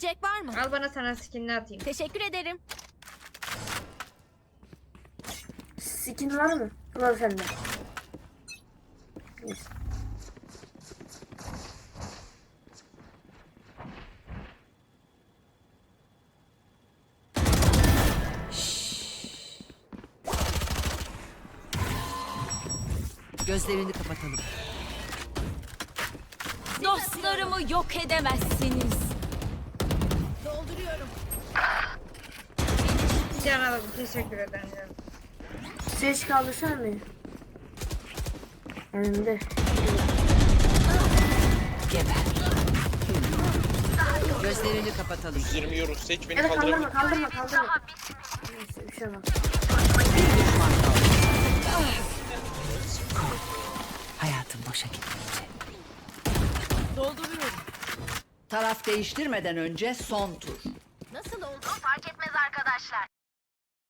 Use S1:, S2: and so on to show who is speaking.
S1: Yiyecek var mı?
S2: Al bana sana skinini atayım.
S1: Teşekkür ederim.
S3: Skin var mı? Var sende. Neyse.
S4: Gözlerini kapatalım.
S1: Dostlarımı yok edemezsiniz. Dolduruyorum.
S2: Can alalım. Teşekkür ederim. Canım.
S3: Ses kaldırsana beni. Önümde.
S4: Geber. Gözlerini kapatalım.
S5: 120 euro. Seç beni
S3: Evet
S5: kaldırabilir.
S3: kaldırma. Neyse bir şey olmaz.
S4: Bir düşman kaldı. Hayatım boşa gitmeyecek.
S1: Dolduruyorum.
S4: Taraf değiştirmeden önce son tur.